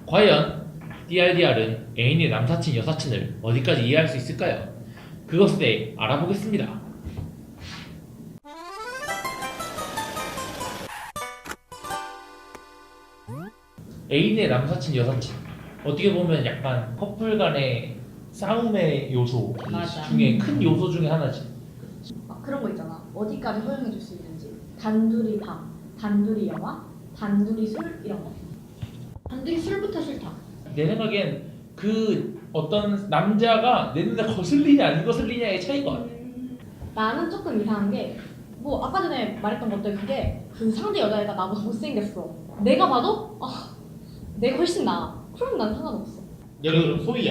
과연 DRDR은 애인의 남사친, 여사친을 어디까지 이해할 수 있을까요? 그것에 대해 알아보겠습니다. 애인의 남사친, 여사친 어떻게 보면 약간 커플 간의 싸움의 요소 맞아. 중에 큰 요소 중에 하나지. 그런 거 있잖아. 어디까지 허용해 줄 수 있는지. 단둘이 밥, 단둘이 영화, 단둘이 술 이런 거. 단둘이 술부터 싫다. 내 생각엔 그 어떤 남자가 내 눈에 거슬리냐 안 거슬리냐의 차이가 같아. 나는 조금 이상한 게 뭐 아까 전에 말했던 것들 그게 그 상대 여자애가 나보다 못생겼어. 내가 봐도 내가 훨씬 나아. 그럼 난 상관없어. 예를 들어 소희야.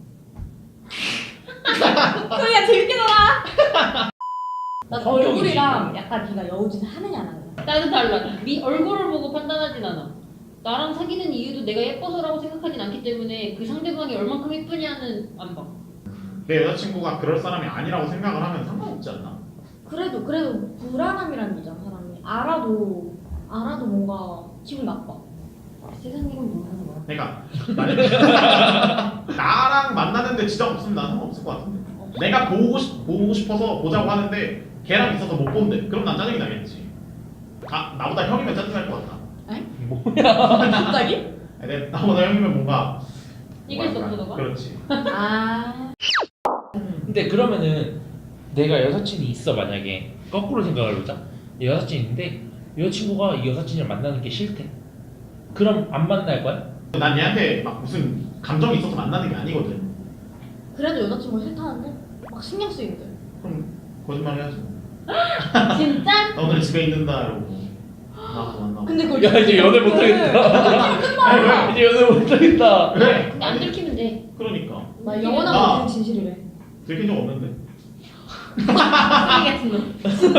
소리야 재밌게 놀아. 나 성격이지. 얼굴이랑 약간 네가 여우짓을 하느냐 안 하느냐. 나는 달라. 네 얼굴을 보고 판단하진 않아. 나랑 사귀는 이유도 내가 예뻐서라고 생각하진 않기 때문에 그 상대방이 얼만큼 예쁘냐는 안 봐. 내 여자친구가 그럴 사람이 아니라고 생각을 하면 상관없지 않나? 그래도 불안함이라는 게 있잖아. 사람이 알아도 뭔가 기분 나빠. 세상 일은 모르는 거야. 그러니까 만약에 나랑 만나는데 지장 없으면 난 상관없을 것 같은데. 내가 보고 싶어서 보자고 하는데 걔랑 있어서 못 본대. 그럼 난 짜증이 나겠지. 나보다 형이면 짜증날 것 같아. 갑자기? 나보다 형이면 뭔가 이길 수 없어, 뭐랄까. 너가? 그렇지. 아. 근데 그러면은 내가 여사친이 있어. 만약에 거꾸로 생각을 해보자. 여사친이 있는데 여자친구가 이 여사친을 만나는 게 싫대. 그럼 안 만날 거야? 난 얘한테 막 무슨 감정이 있어서 만나는 게 아니거든. 그래도 여자친구가 싫다는데 막 신경 쓰이는데. 그럼 거짓말 해야지. 진짜? 나 오늘 집에 있는다 이러고 나가서 만나고. 근데 그걸 야 이제 연애 못하겠다. 아니, 이제 연애 못하겠다. 왜? 근데 안 들키면 돼. 그러니까 나 영원한 나- 모든 진실이래. 들킨 적 없는데. 쓰레기 같은 놈.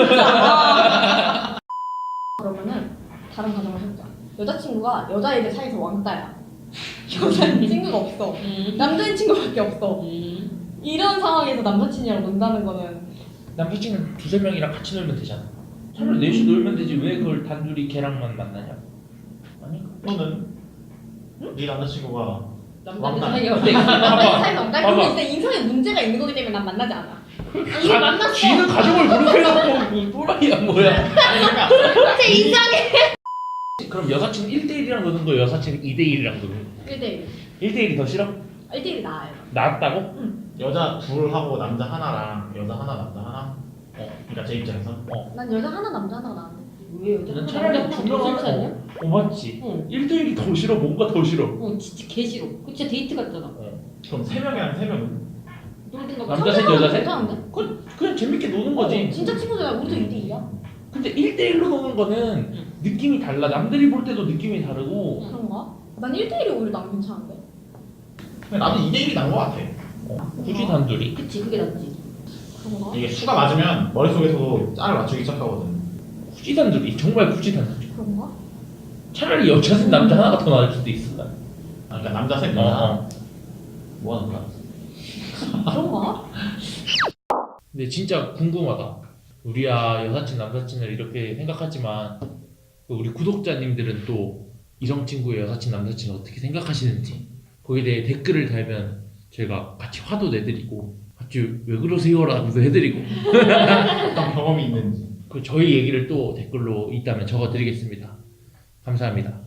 그러면은 다른 가정을 해보자. 여자친구가 여자애들 사이에서 왕따야. 여자친구가 없어. 남자친구밖에 없어. 이런 상황에서 남사친이랑 논다는 거는 남사친은 두세 명이랑 같이 놀면 되잖아. 차라리 넷이 놀면 되지. 왜 그걸 단둘이 걔랑만 만나냐? 아닌가? 너는 네 남자친구가 남자들 왕따. 사이가 근데 남자애들 봐봐. 사이에서 왕따. 봐봐. 그게 진짜 인성에 문제가 있는 거기 때문에 난 만나지 않아. 아니 이거 만났어. 쥐는 가족을 그렇게 해놓고 또라이야 뭐야? 아니 그러니까 제 인성에 그럼 여사친 1대1이랑 노는 거 여사친 2대1이랑 노는 거 1대1. 1대1이 더 싫어? 1대1이 나아요. 낫다고? 여자 둘하고 남자 하나랑 여자 하나 남자 하나. 그러니까 제 입장에서. 난 여자 하나 남자 하나가 나은데. 왜 여자 난 하나 차라리 남자 두 명 하나 더 싫지 않냐? 하나 맞지? 응. 1대1이 더 싫어. 뭔가 더 싫어. 진짜 개 싫어. 그 진짜 데이트 같잖아. 그럼 세 명이랑 세 명은? 놀든가 남자 셋 여자 셋? 괜찮은데? 그냥 재밌게 노는 거지. 진짜 친구들이야. 우리도 2대2야. 근데 1대1로 노는 거는 느낌이 달라. 남들이 볼 때도 느낌이 다르고 그런가? 난 1대1이 오히려 난 괜찮은데. 근데 나도 2대1이 난 것 같아. 굳이 단둘이. 그치 그게 낫지. 그런가? 이게 수가 맞으면 머릿속에서도 짤을 맞추기 시작하거든. 굳이 단둘이. 정말 굳이 단둘이. 그런가? 차라리 여자 셋 남자 하나가 더 나을 수도 있어. 난. 그러니까 남자 셋 여자 하나. 뭐 하는 거야? 그런가? 근데 진짜 궁금하다. 우리야 여사친 남사친을 이렇게 생각하지만 우리 구독자님들은 또 이성 친구의 여사친 남사친 어떻게 생각하시는지 거기에 대해 댓글을 달면 저희가 같이 화도 내드리고 같이 왜 그러세요라고도 해드리고 어떤 경험이 있는지. 그 저희 얘기를 또 댓글로 있다면 적어드리겠습니다. 감사합니다.